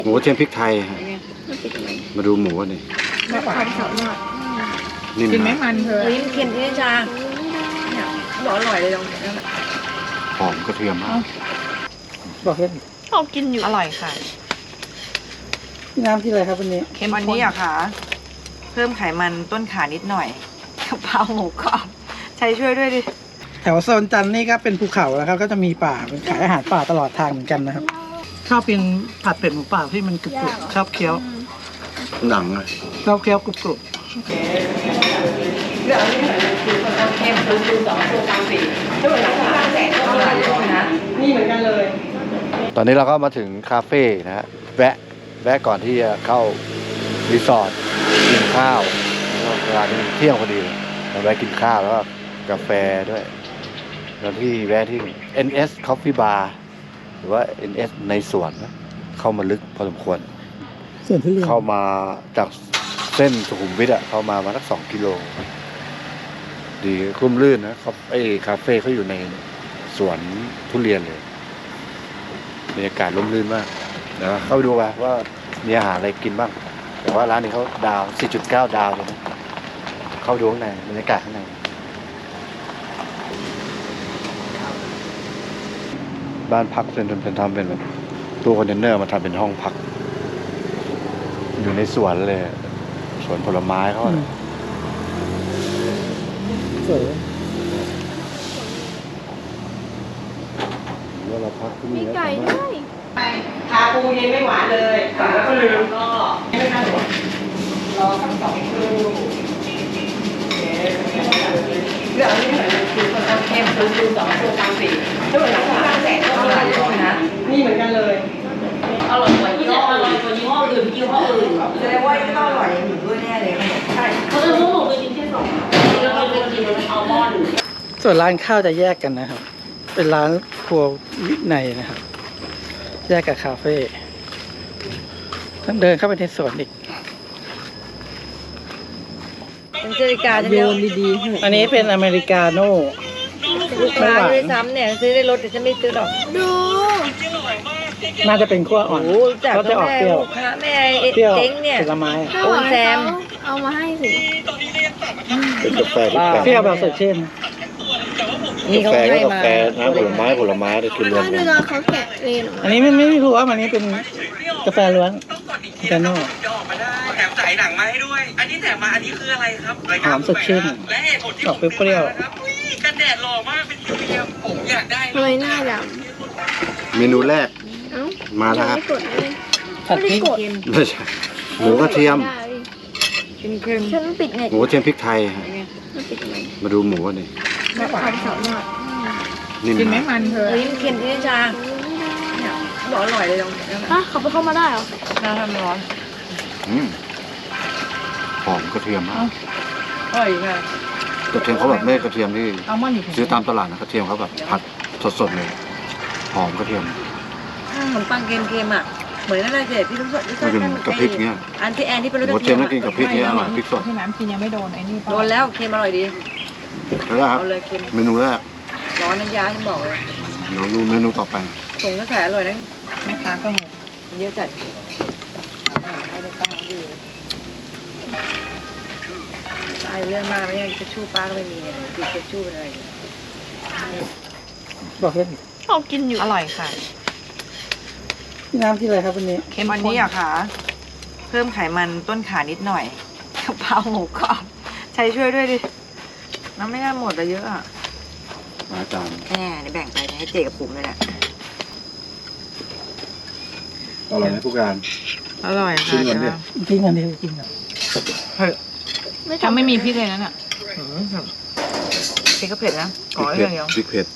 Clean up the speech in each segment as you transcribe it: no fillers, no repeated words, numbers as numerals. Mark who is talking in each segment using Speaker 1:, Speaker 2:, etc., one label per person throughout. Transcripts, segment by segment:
Speaker 1: หมูกระเทียมพริกไทยฮะมาดูหมูกันดิ
Speaker 2: ไม่หวานสดมาก
Speaker 1: นิ่ม
Speaker 2: กินไม่
Speaker 1: นะ
Speaker 2: มันเธอ
Speaker 3: ลิ้นเค็มที่นิชาเนี่ยบอกอร่อยเลยตรงนี้
Speaker 1: หอมกระเทียมมาก
Speaker 4: บอกเล่น
Speaker 5: เอากินอยู่
Speaker 6: อร่อยค่ะ
Speaker 4: พี่น้ำที่อะไรครับวันนี้
Speaker 6: เข้มข้นวันนี้อะค่ะ เพิ่มไขมันต้นขานิดหน่อยกะเพราหมูกรอบใช้ช่วยด้วยดิ
Speaker 4: แถวโซนจันทร์นี่ก็เป็นภูเขาแล้วครับก็จะมีป่าเป็นขายอาหารป่าตลอดทางเหมือนกันนะครับชอบกินผัดเป็ดหมูป่าที่มันกรุบๆชอบเคี้ยว
Speaker 1: หนังเลย
Speaker 4: ชอบเคี้ยวกรุบ
Speaker 6: เข้มคือ2 ตัวกลางปีถ้าเหมือนร้านแสนก็อร่อยนะ
Speaker 4: ๆนี่เหมือนกันเลย
Speaker 1: ตอนนี้เราก็มาถึงคาเฟ่นะฮะแวะก่อนที่จะเข้ารีสอร์ทกินข้าวเวลานี้เที่ยงพอดีเราแวะกินข้าวแล้วก็กาแฟด้วยแล้วที่แวะที่ NS Coffee Bar หรือว่า NS ในสวนนะเข้ามาลึกพอสมควร
Speaker 4: ส่วนทุเรียน
Speaker 1: เข้ามาจากเส้นสุขุมวิทเข้ามาสัก2 กิโลดีคุ้มลื่นนะครับไอ้คาเฟ่เขาอยู่ในสวนทุเรียนเลยบรรยากาศร่มรื่นมากเดี๋ยวเข้าไปดูว่ามีอาหารอะไรกินบ้างแต่ว่าร้านนี้เขาดาว 4.9 ดาวเลยนะเข้าดูข้างในบรรยากาศข้างในบ้านพักเป็นทำเป็นแบบตู้คอนเทนเนอร์มาทำเป็นห้องพักอยู่ในสวนเลยสวนผลไม้เขาอะ
Speaker 4: สวย
Speaker 1: ว่าเราพักที่
Speaker 5: มี
Speaker 1: นี่
Speaker 5: ไก่ด้วย
Speaker 6: ทาปูเย็นไม่หวานเลยแล้วก็ลืมก็ไม่น่าหรอกรอสัก2 ครู่เรื่องนี้เหมือนคือคนทำเข้มคือ2 ตัวกลางปีถ้าเหมือนร้านแสนก็อร่อยนะ
Speaker 4: นี่เหมือนกันเลย
Speaker 3: อร่อยกว่ายี่ห้ออื่นยี่ห้ออื่น
Speaker 6: แสดงว่าก็อร่อยอย่างอื่นด้วยแน่เลยใช่
Speaker 3: เขาจะพวกหนูไปกินแค่2แล้วเราไปกินอัลมอนด์
Speaker 4: ส่วนร้านข้าวจะแยกกันนะครับ เป็นร้านครัววินัยนะครับ แยกกับคาเฟ่ต้องเดินเข้าไปในสวนอีก
Speaker 3: เป็นนาฬิกาจะ
Speaker 4: โย
Speaker 3: เดียวน
Speaker 4: ดีๆอันนี้เป็นอเมริกาโน่
Speaker 3: ลูกค้าด้วยซ้ำเนี่ยซื้อได้รถแต่ฉันไม่ซื้อหรอก
Speaker 5: ดู
Speaker 4: น่าจะเป็นขั้วอ่อน
Speaker 3: โอ้จาก
Speaker 4: ก็จะออก
Speaker 3: แม่
Speaker 4: เปรี้ยว
Speaker 3: ลูกค้าแม่
Speaker 4: เปรี้ยว
Speaker 3: เจ๊งเนี่ย
Speaker 4: ผลไม้
Speaker 5: ถ้าหวานเขาเอามาให้สิ
Speaker 1: เป็นกาแฟที่แปลก
Speaker 4: เปรี้ยวแบบสดชื่น
Speaker 3: นี่เขา
Speaker 1: กาแฟ
Speaker 3: ให้
Speaker 1: ก็กา
Speaker 3: มา
Speaker 1: แฟน้ำผลไม้ได้กินรวม
Speaker 5: ถ้า
Speaker 1: กั
Speaker 5: ดู
Speaker 1: น
Speaker 5: ตอนเขาแกะเลนออก
Speaker 4: อั
Speaker 5: มาน
Speaker 4: นี้ไม่รู้ว่าอันนี้เป็นกาแฟล้วนกาโน่
Speaker 7: แถมสายหนังมาให้ด้วย อันนี้แถมมา อันนี้คืออะไรครับ
Speaker 4: หอมสดชื่น
Speaker 7: และเหตุผลที่
Speaker 4: ออกเปรี้ยว
Speaker 7: นะครับอุ๊ยกันแดดหล่อมากเป็นพรีเมียมผมอยากได้
Speaker 5: ทำไมหน้าด
Speaker 1: เมนูแรก
Speaker 5: ำเอ้า
Speaker 1: มาแล้วครับ
Speaker 5: ไม่กดเลย
Speaker 4: ผัดพริก
Speaker 1: ไม่ใช่หมูกระเทียม
Speaker 3: เค็ม
Speaker 5: ฉันปิดเน็ต
Speaker 1: หมูกระเทียมพริกไทยฮะ
Speaker 5: มันปิดเน็ต
Speaker 1: มาดูหมูกันดิ
Speaker 2: ไม่หวาน
Speaker 5: สดมาก
Speaker 1: นิ่ม
Speaker 2: กินไม่
Speaker 1: นะ
Speaker 2: มันเธอ
Speaker 3: ลิ้นเค็มที่นิชาเนี่ยบอกอร่อยเลยตรงนี้
Speaker 5: อ่ะเขาไปเข้ามาได้เหรอ
Speaker 3: น้ำทำร้อน
Speaker 1: อืมหอมกระเทียมมาก
Speaker 3: อร่อยค่ะ
Speaker 1: กระเทียมเขาแบบไม่ใช่กระเทียมที่
Speaker 2: อัลมอนด์อยู่
Speaker 1: ซื้อตามตลาดนะกระเทียมเขาแบบผัดสดๆเลยหอมกระเทียม
Speaker 3: ขนมปังเค็มๆอ่ะเหมือนอะไรเจ๊พี่ทุกคนที่
Speaker 1: มันเป็นกะพริกเนี่ย
Speaker 3: อันที่แอนที่เป็นรส
Speaker 1: หมูกระเทียมต้องกินกับพริกเนี่ยอร่อยพริกสด
Speaker 2: ที่น้ำกินยังไม่โดนไอ้นี่
Speaker 3: โดนแล้วเค็มอร่อยดี
Speaker 1: แล้วครับ
Speaker 3: เอาเลยเค็ม
Speaker 1: เมนูแรก
Speaker 3: ร้อนน้ำยาฉันบอกเลย
Speaker 1: เดี๋ยวดูเมนูต่อไป
Speaker 3: ส่งกระแสอร่อยนะ
Speaker 2: แม่ค้าก็งง
Speaker 3: เยอะจัดตายเรื่องมากไม่ยังจะชู้ป้าก็ไม่มีเนี่ยติดจะชู้เป็นอะไร
Speaker 4: บอกเล่น
Speaker 5: เอากินอยู่
Speaker 6: อร่อยค่ะ
Speaker 4: พี่น้ำที่อะไรครับวันนี้
Speaker 6: เข้มข้นวันนี้อะค่ะ เพิ่มไขมันต้นขานิดหน่อยกะเพราหมูกรอบใช้ช่วยด้วยดิน้ำไม่น่าหมดแต่เยอะอะ
Speaker 1: มาจาน
Speaker 6: แน่เดี๋ยวแบ่งไปให้เจกับปุ๋มเลยแหละ
Speaker 1: อร่อยไหมผู้การ
Speaker 6: อร่อย
Speaker 1: ชิ
Speaker 6: ค่ะ
Speaker 1: มก่อนดิ
Speaker 4: กินกันดีกินกัน
Speaker 6: ถ้าไม่มีพริกเลยนั่นอะพริกก็เผ็ดนะขอ
Speaker 1: พ
Speaker 6: ให้
Speaker 1: ริก
Speaker 6: เดียว
Speaker 1: พริกเผ็ด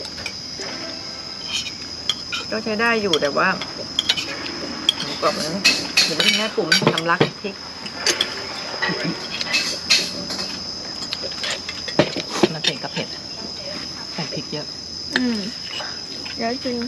Speaker 6: ก็ใช้ได้อยู่แต่ว่าหมูกรอบนั้นเดี๋ยวไม่ให้ปุ๋มทำรักพริกมันเผ็ดกับเผ็ดใส่พริกเยอะ
Speaker 5: อืมเดี๋ยวจริง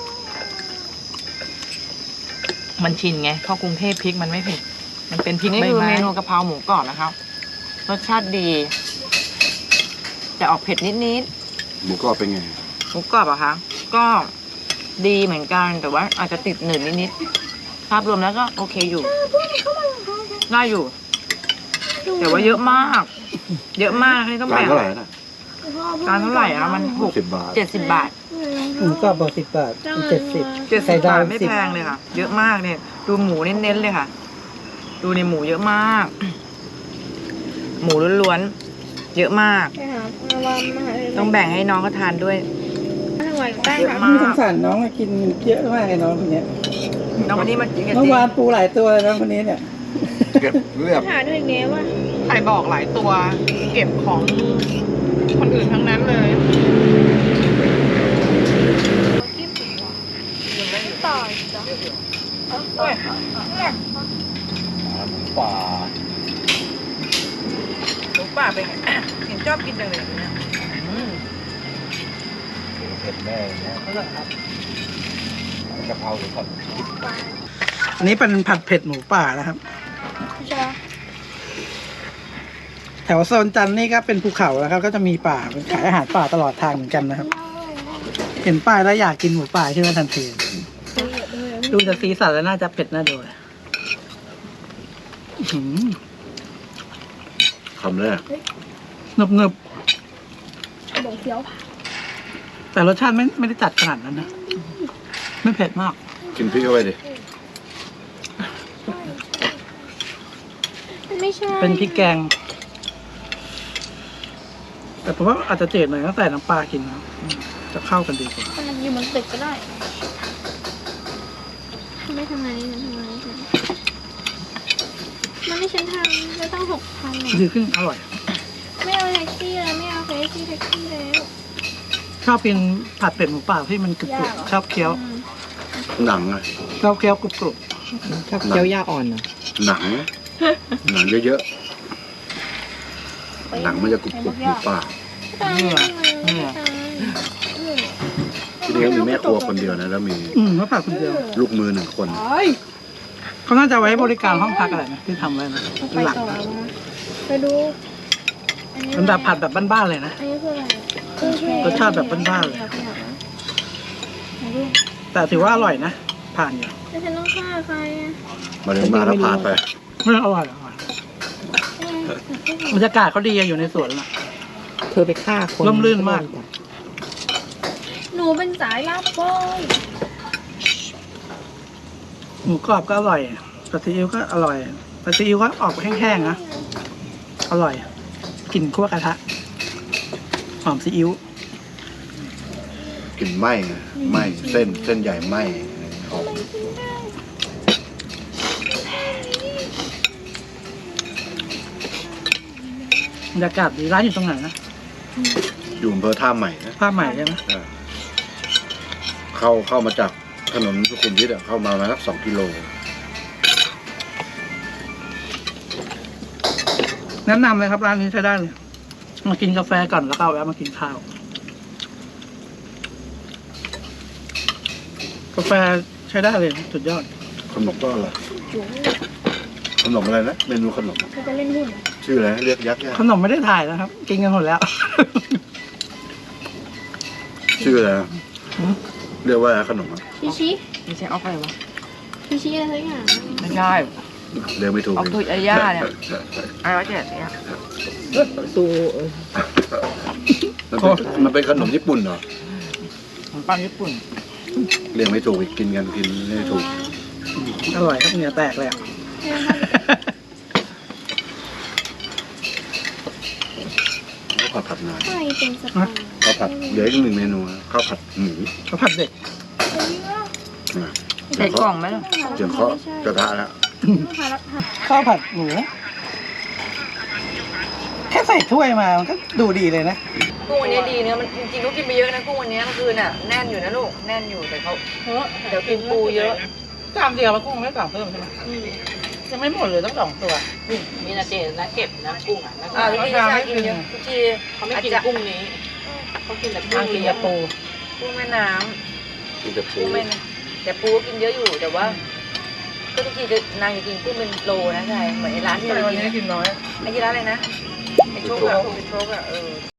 Speaker 6: มันชินไงเข้ากรุงเทพพริกมันไม่เผ็ด มันเป็นพริกใบไม้นี่คือเมนูกะเพราหมูกรอบนะครับ รสชาติดีจะออกเผ็ดนิด
Speaker 1: หมูกรอบเป็นไง
Speaker 6: ๆหมูกรอบอะคะก็ดีเหมือนกันแต่ว่าอาจจะติดหนืดนิดภาพรวมแล้วก็โอเคอยู่น่าอยู่ แต่ว่าเยอะมาก เยอะมากนี่ต้อง
Speaker 1: ร้าน
Speaker 6: แบ่ง
Speaker 1: เท่าไหร่นะ
Speaker 6: ร้านเท่าไหร่อะมันหก
Speaker 1: 10 บาท
Speaker 6: 70 บาท
Speaker 4: หมูกรอบบอก10 บาท 70
Speaker 6: 70 บาทไม่แพงเลยค่ะ เยอะมากเนี่ย ดูหมูเน้นๆเลยค่ะ ดูในหมูเยอะมาก หมูล้วนๆเยอะมาก
Speaker 5: ไปหาวันมาหา
Speaker 6: ต้องแบ่งให้น้องเขาทานด้วย
Speaker 5: ทำไมแป้ง
Speaker 6: เยอะ
Speaker 5: ค่ะ
Speaker 6: มาก
Speaker 4: สงสารน้องกินเยอะมากไอ้น้องคนเนี้ย
Speaker 6: น้องคนนี้มากินกัน
Speaker 4: เมื่
Speaker 6: จ
Speaker 4: อ
Speaker 6: ริง
Speaker 4: วานปูหลายตัวเลยน้องคนนี้เนี่ย
Speaker 1: เก็บเรียบ
Speaker 5: หาด้วยเนี้ยว่า
Speaker 6: ใครบอกหลายตัว เก็บของคนอื่นทั้งนั้นเลย
Speaker 5: ต่อจ้ะ
Speaker 1: ป่า
Speaker 6: หมูป่าเป็นไง เห็นชอบกินจังเลยเนี่ยอืม
Speaker 1: เผ็ดแม่เนี่ย
Speaker 6: อร่อยครับ
Speaker 1: กะเพราหรือผัด
Speaker 4: อันนี้เป็นผัดเผ็ดหมูป่านะครับ
Speaker 5: ใช่
Speaker 4: แถวโซนจันทร์นี่ก็เป็นภูเขาแล้วครับ ก็จะมีป่าเป็นขายอาหารป่าตลอดทางเหมือนกันนะครับ เห็นป้ายแล้วอยากกินหมูป่าขึ้นมาทันทีดูจากสีสันแล้วน่าจะเผ็ดน่าดูเลยอื้อหือ
Speaker 1: คำแรก
Speaker 4: หนึบหนึบ
Speaker 5: บอกเคี้ยว
Speaker 4: แต่รสชาติไม่ได้จัดขนาดนั้นนะ ไม่เผ็ดมาก
Speaker 1: กินพริกเข้าไปดิ
Speaker 5: ไม่ใช่
Speaker 4: เป็นพริกแกง แต่ผมว่าอาจจะจืดหน่อยต้องใส่น้ำปลากินนะจะเข้ากันดีกว่า
Speaker 5: มันอยู่บนตึกก็ได้ไม่ทำงานนี่มันทำงานนี่มันไม่ฉันทำจะต้อง6,000เนี่ย
Speaker 4: ดีขึ้นอร่อย
Speaker 5: ไม่เอาแท็กซี่แล้วไม่เอาแท็กซี่แล้ว
Speaker 4: ชอบกินผัดเป็ดหมูป่าที่มันกรุบ
Speaker 5: ยากเหรอ
Speaker 4: ๆชอบเคี้ยว
Speaker 1: หนังอะ
Speaker 4: ชอบเคี้ยวกรุบ
Speaker 6: ชอบเคี้ยวยาอ่อนเหรอ
Speaker 1: หนัง หนังเยอะๆ หนังมันจะกรุบๆอยู่ปาก
Speaker 5: ตายไม่ตายไม่ตาย
Speaker 1: ทีนี้มีแม่ครัวคนเดียวนะ แล้วมี
Speaker 4: ๆเขาผัดคนเดียว
Speaker 1: ลูกมือ1 คน
Speaker 4: เขาน่าจะไว้บริการห้องพักอะไรนะที่ทำไว้นะ
Speaker 5: ไป
Speaker 4: หลัก
Speaker 5: ต่อ
Speaker 4: นะ
Speaker 5: มาไปดู
Speaker 4: มันแบบผัดแบบบ้านๆเลยนะ
Speaker 5: อันนี้คืออะไร
Speaker 4: รสชาติแบบบ้านๆเลย แต่ถือว่าอร่อยนะ ผ่านอยู่
Speaker 5: แล้วฉันต้องฆ่าใครอ่ะ
Speaker 1: มาถึงมาแล้วผ่านไป
Speaker 4: ไม่อร่อยบรรยากาศเขาดีอะอยู่ในสวนน่ะ
Speaker 6: เธอไปฆ่าคน
Speaker 4: ร่มรื่นมาก
Speaker 5: หนูเป็นสายลับโว้ย
Speaker 4: หมูกรอบก็อร่อยปลาซีอิ๊วก็อร่อยปลาซีอิ๊วก็ออกแห้งๆนะอร่อยกลิ่นคั่วกระทะหอมซีอิ๊ว
Speaker 1: กลิ่นไหม้ไงไหม้เส้นใหญ่ไหม้หอม
Speaker 4: บรรยากาศดีร้านอยู่ตรงไหนนะ
Speaker 1: อยู่อำเภอท่าใหม่นะ
Speaker 4: ผ้าใหม่ใช่ไหม
Speaker 1: เข้ามาจากถนนสุขุมวิทอะเข้ามาสัก2 กิโล
Speaker 4: แนะนำเลยครับร้านนี้ใช้ได้เลยมากินกาแฟก่อนแล้วก็แวะมากินข้าวกาแฟใช้ได้เลยสุดยอด
Speaker 1: ขนมก็อะไรขนมอะไรนะ เมนูขนม
Speaker 5: เขาจะเล่นหุ้น
Speaker 1: ชื่ออะไรนะเรียกยักษ์
Speaker 4: ขนมไม่ได้ถ่ายนะครับ กินกันหมดแล้ว
Speaker 1: ชื่ออะไรนะเรียกว่าอะไรขนมอะ
Speaker 5: ชิชิ
Speaker 6: ไม่ใช่ออกไปวะ
Speaker 5: ชิชิอะไรสักอย่าง
Speaker 6: ไม่ใช่
Speaker 1: เรียกไม่ถูก
Speaker 6: ออกตุยอาย่าเนี่ยอะไรวะเจ๊เนี่ยตู
Speaker 1: มันเป็นขนมญี่ปุ่นเหรอ
Speaker 6: ของปังญี่ปุ่น
Speaker 1: เรียกไม่ถูกอีกกินไม่ถูก
Speaker 4: อร่อยครับเหงื่อแตกเลยอะ
Speaker 1: ข้าวผัดนาน
Speaker 5: ใครเป็นสปา
Speaker 1: ข้าวผัดเดี๋ยวอีก1 เมนูนะข้าวผัดหมู
Speaker 4: ข้าวผัดเด็ก
Speaker 1: นะ
Speaker 6: ใส่กล่องไหมล่ะ
Speaker 1: เจียงเคาะกระทะแล้ว
Speaker 4: ข้าวผัดหมูแค่ใส่ถ้วยมามันก็ดูดีเลยนะ
Speaker 6: กุ้งวันนี้ดีเนื้อมันจริงๆลูกกินไปเยอะนะกุ้งวันนี้เมื่อคืนน่ะแน่นอยู่นะลูกแน่นอยู่แต่เขาเดี๋ยวกินปูเยอะ
Speaker 4: จามเดียวแล้วกุ้งไม่สั่งเพิ่มใช่ไหมยังไม่หมดเลยต้อง2 ตัว
Speaker 8: มีนาเจนะเก็บนะกุ้งอ่ะนะ
Speaker 6: ทุกทีชากินเยอะทุกที
Speaker 8: เขาไม่กินกุ้งนี้เขากินแต่กุ้
Speaker 4: ทาง
Speaker 8: ง
Speaker 4: กิน
Speaker 8: เลี้ย
Speaker 4: ยาง
Speaker 8: ปู
Speaker 4: ปู
Speaker 6: กุ้งแม่น้
Speaker 1: กินแต่
Speaker 6: ำ
Speaker 1: ปู
Speaker 6: กุ้งแม่น้ำแต่ปูก็กินเยอะอยู่แต่ว่า ก็ทุกทีจะนางจะกินกุ้งเป็นโลนะใช่เหมือนไอ้ร้านที่เรา
Speaker 4: วัน
Speaker 6: กิน
Speaker 4: นี้กินน้อย
Speaker 6: ไอ้ที่ร้านอะไรนะไอ้โชคอะไอ้โชคอะ